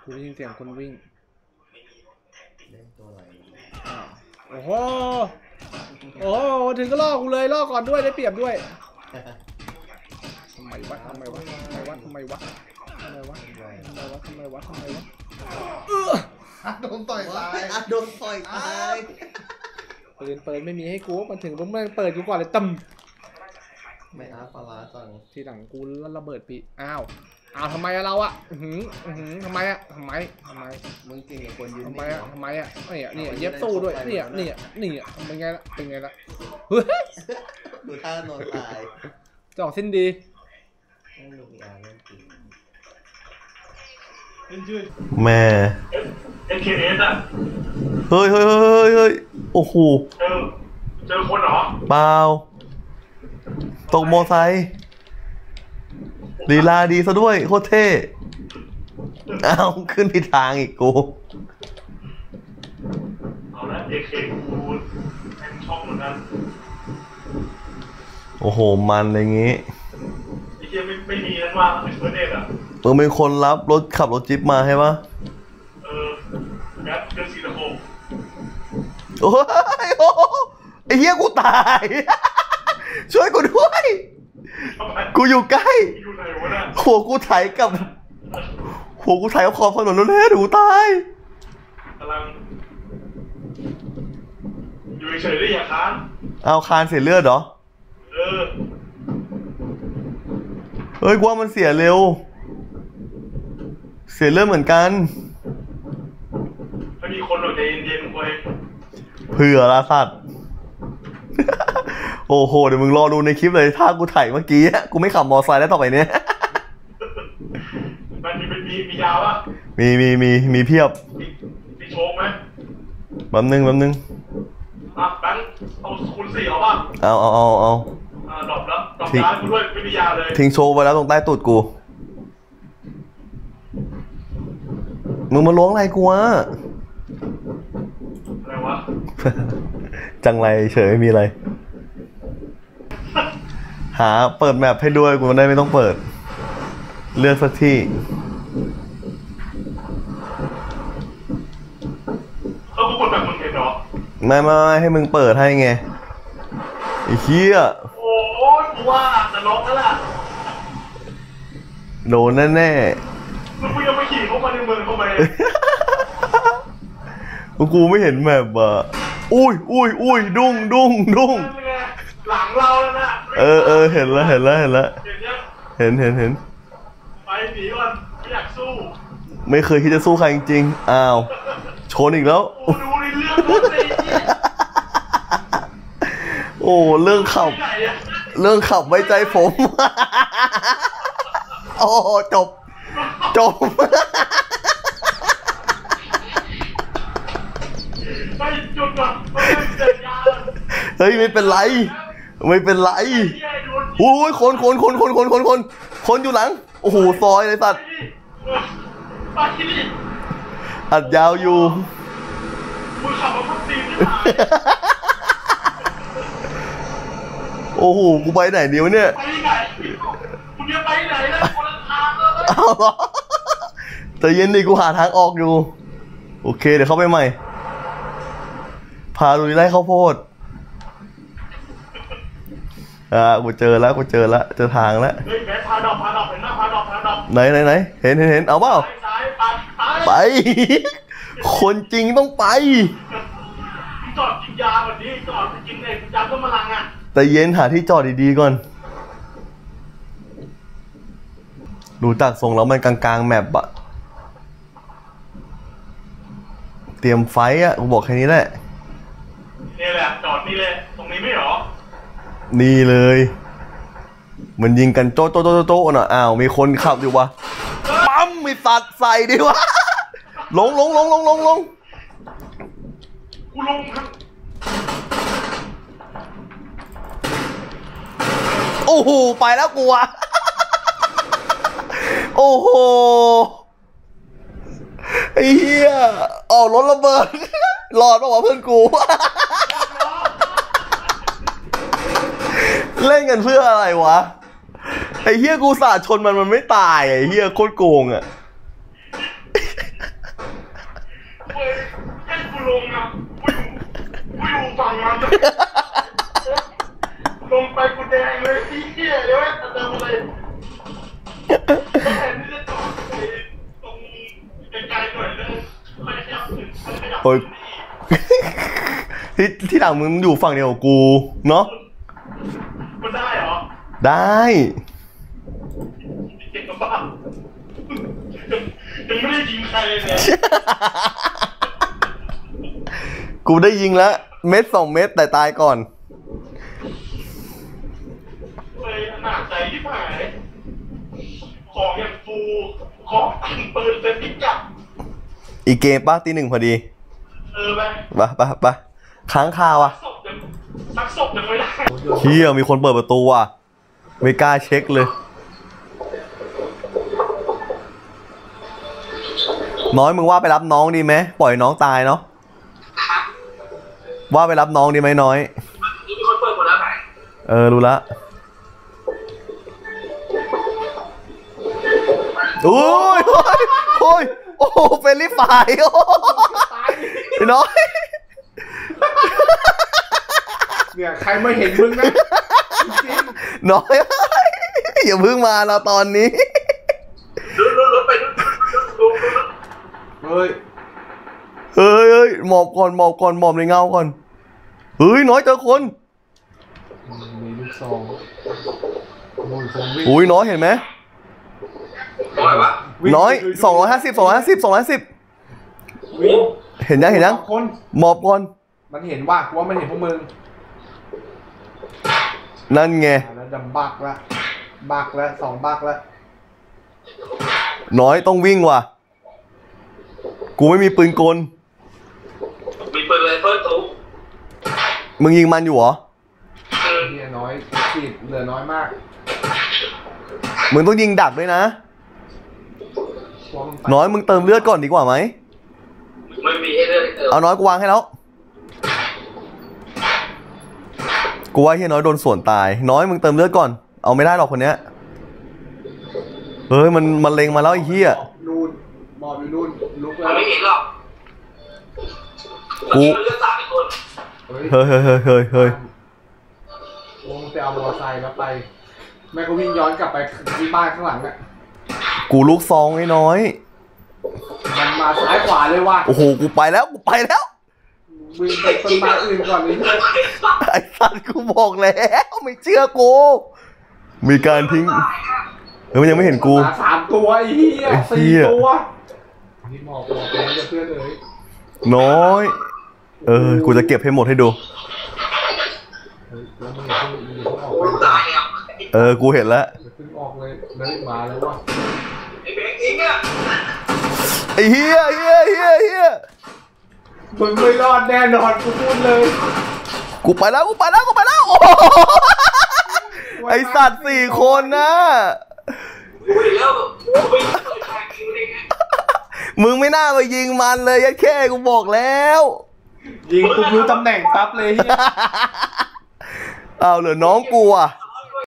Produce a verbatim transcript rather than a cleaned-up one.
กูได้ยินเสียงคนวิ่งเล่นตัวอะไรโอ้โหโอ้โหถึงก็ล่อกูเลยล่อก่อนด้วยได้เปรียบด้วยทำไมวะทำไมวะทำไมวะทำไมวะทำไมวะทำไมวะทำไมวะทำไมวะทำไมวะอัดโดนต่อยตายอัดโดนต่อยตายปืนเปิดไม่มีให้กูมันถึงต้องมันเปิดกูก่อนเลยตึมไม่อาปลาจังทีหลังกูแล้วระเบิดปีอ้าวอ้าวทำไมอะเราอะหืมหืมทำไมอะทำไมทำไมมึงจริงกับคนยืนทำไมอะทำไมอะเนี่ยเนี่ยเย็บสู้ด้วยเนี่ยเนี่ยเนี่ยเป็นไงล่ะเป็นไงล่ะเฮ้ยดูท่านอนตายจ่อสิ้นดีไม่รู้มีอะไรจริงแม่เอเคเอสอะเฮ้ยเฮ้ยเฮ้ยเฮ้ยโอ้โหเจอเจอคนเหรอเปล่าตกโมไซค์ลีลาดีซะด้วยโคตรเท่เอาขึ้นผิดทางอีกกูเอาละเอเคกูแอนช็อกเหมือนกันโอ้โหมันอะไรงี้ไอ้เหี้ยไม่ไม่มีนั่นว่าเป็นเพื่อนเด็กอะเออเป็นคนรับรถขับรถจิ๊บมาใช่ปะเออแก๊สเดือนสีตะโคงโอ้ยโอ้ไอ้เหี้ยกูตายช่วยกูด้วยกูอยู่ใกล้หัวกูไถกับหัวกูไถกับขอบถนนแล้วแน่ดูตายกำลังอยู่เฉยๆได้อย่าค้านเอาคานเสียเลือดเหรอเออเฮ้ยกูว่ามันเสียเร็วเสียเลือดเหมือนกันไม่มีคนหรอกใจเย็นๆเว้ยเผื่อละสัตว์โอ้โหเดี๋ยวมึงรอดูในคลิปเลยถ้ากูถ่ายเมื่อกี้กูไม่ขับมอเตอร์ไซค์แล้วต่อไปเนี้ยมันมีมีมียาวปะมีมีมีมีเพียบมีโชคไหมแป๊บนึงแป๊บนึงอ่ะแบงค์เอาคูณสี่เอาป่ะเอาเอาเอาเอาอ่าดรอปแล้วดรอปยากูด้วยไม่มียาเลยทิ้งโชว์ไว้แล้วตรงใต้ตูดกูมึงมาล้วงอะไรกูวะอะไรวะจังไรเฉยไม่มีอะไรหาเปิดแมปให้ด้วยกูได้ไม่ต้องเปิดเลือกสักที่เขาก็กดแบบมึงเห็นเหรอไม่ไม่ให้มึงเปิดให้ไงไอ้เหี้ยโอ้ยกูว่าจะร้องแล้วล่ะโดนแน่แน่แล้วกูยังไม่ขี่เข้ามาในเมืองเข้าไปกูไม่เห็นแมปอ่ะอุ้ยอุ้ยอุ้ยดุ้งดุ้งดุ้งหลังเราแล้วนะเออเออเห็นแล้วเห็นแล้วเห็นแล้วเห็นเห็นเห็นไปหนีก่อนไม่อยากสู้ไม่เคยคิดจะสู้ใครจริงๆอ้าวชนอีกแล้วโอ้ดูในเรื่องรถเลยโอ้เรื่องขับเรื่องขับไว้ใจผมโอ้จบจบไปจุดก่อนไปเดินยาเฮ้ยไม่เป็นไรไม่เป็นไรโอ้ยคนคนคนคนคนคนคนคนอยู่หลังโอ้โหซอยเลยสัตว์อัดยาวอยู่มึงขับมาพักตีนไม่หายโอ้โหกูไปไหนเดียวเนี่ยไปไหนมึงจะไปไหนนะคนละทางเลยเอาเหรอแต่เย็นดิกูหาทางออกอยู่โอเคเดี๋ยวเข้าไปใหม่พาลุยไล่ข้าวโพดอ่ากูเจอแล้วกูเจอแล้วเจอทางแล้วเฮ้ยแม่พาดอกพาดอกเห็นหน้าพาดอกพาดอกไหนไหนไหนเห็นเห็นเห็นเอาเปล่าไปคนจริงต้องไปจอดกินยาแบบนี้จอดกินเองยาเพิ่มพลังอ่ะแต่เย็นหาที่จอดดีๆก่อนดูจากทรงแล้วมันกลางๆแมปอะเตรียมไฟอะกูบอกแค่นี้แหละนี่แหละจอดนี่เลยตรงนี้ไม่หรอนี่เลยมันยิงกันโจ๊ะโจ๊ะโจ๊ะโจ๊ะน่ะอ้าวมีคนขับอยู่วะปั๊มมีสัตว์ใส่ดิวะลงลงลงลงลงลงกูลงครับโอ้โหไปแล้วกูอะโอ้โหไอ้เหี้ยออกรถระเบิดหลอดมาว่าเพื่อนกูเล่นกันเพื่ออะไรวะไอ้เหี้ยกูสาดชนมันมันไม่ตายไอ้เหี้ยโคตรโกงอ่ะลงนะกูอยู่กูอยู่ฝั่งมันลงไปกูแดงเลยพี่เหี้ยเดี๋ยวจะทำอะไรแทนที่จะจอดไปตรงไกลๆหน่อยเลยไม่ขยับถึงไม่ขยับโอ้ย ที่ที่หลังมึงอยู่ฝั่งเดียวกับกูเนาะมันได้เหรอได้เก่งกับบ้ายังไม่ได้ยิงใครเลยเนี่ยกูได้ยิงแล้วเม็ดสองเม็ดแต่ตายก่อนเลยหนักใจที่หายของอย่างฟูของปืนเป็นพิกัดอีกเกมป้าตีหนึ่งพอดีเออไปปะปะปะค้างคาวอ่ะศพยังสักศพยังไม่ได้เฮียมีคนเปิดประตูอ่ะไม่กล้าเช็คเลย น้อยมึงว่าไปรับน้องดีไหมปล่อยน้องตายเนาะว่าไปรับน้องดีไหมน้อยนี่มีคนเปิดหมดแล้วไหนเออรู้ละโอ้ยโอ้ยโอ้โหเฟรนลี่ไฟร์โอ้ไอ้น้อยเนี่ยใครไม่เห็นมึงนะจริงน้อย อย่าเพิ่งมาเราตอนนี้ดูดูดูไปดูดูดูเฮ้ยเฮ้ยเฮ้ยหมอบก่อนหมอบก่อนหมอบในเงาก่อนเฮ้ยน้อยเจอคนมีลูกซองมูลคงวิ่งอุ้ยน้อยเห็นไหมอะไรวะน้อยสองร้อยห้าสิบสองร้อยห้าสิบสองร้อยห้าสิบวิ่งเห็นยังเห็นยังสองคนหมอบก่อนมันเห็นว่าว่ามันเห็นพวกมึงนั่นไงอ่ะแล้วดำบักละบักละสองบักละน้อยต้องวิ่งว่ะกูไม่มีปืนกลมีปืนเลยเพิ่มตู้มึงยิงมันอยู่เหรอเฮียน้อยขีดเหลือน้อยมากมึงต้องยิงดักด้วยนะว่ามึงไปน้อยมึงเติมเลือดก่อนดีกว่าไหมไม่มีให้เลือกให้เติมเอาน้อยกูวางให้แล้วกูว่าเฮียน้อยโดนสวนตายน้อยมึงเติมเลือดก่อนเอาไม่ได้หรอกคนเนี้ยเฮ้ยมันมันเล็งมาแล้วไอ้เฮียนู่นบอดอยู่นู่นลุกแล้มัวนไม่เห็นหรอกกูมันเลือกสามคนเฮ้ยเฮ้ยเฮ้ยเฮ้ยเฮ้ยเฮ้ยวงไปเอามอเตอร์ไซค์แล้วไปแม่ก็วิ่งย้อนกลับไปที่บ้านข้างหลังอ่ะกูลูกซองไอ้น้อยมันมาซ้ายขวาเลยว่ะโอ้โหกูไปแล้วกูไปแล้ววิ่งไปต้นไม้อื่นก่อนเลยไอ้สัตว์กูบอกแล้วไม่เชื่อกูมีการทิ้งเฮ้ยมันยังไม่เห็นกูมาสามตัวไอ้เหี้ยไอ้เหี้สี่ยตัวนี่หมอกหมอกแล้วจะเพื่อนเลยน้อย เออ กูจะเก็บให้หมดให้ดูเฮ้ยแล้วมึงอย่าเพิ่งมึงอย่าเพิ่งออกโอ้ไปตายแล้วเออ กูเห็นแล้วอย่าเพิ่งออกเลยแล้วมาแล้วว่ะไอ้เบงอิงอ่ะไอ้เฮียเฮียเฮียเฮียมึงไม่รอดแน่นอนกูพูดเลยกูไปแล้วกูไปแล้วกูไปแล้วโอ้โหไอสัตว์สี่คนนะกูเห็นแล้วกูไปเปิดทางคิวได้ไงมึงไม่น่าไปยิงมันเลยยัดแค่กูบอกแล้วยิงปุ๊บรู้ตำแหน่งปั๊บเลยเฮียเอาเหลือน้องกูอ่ะส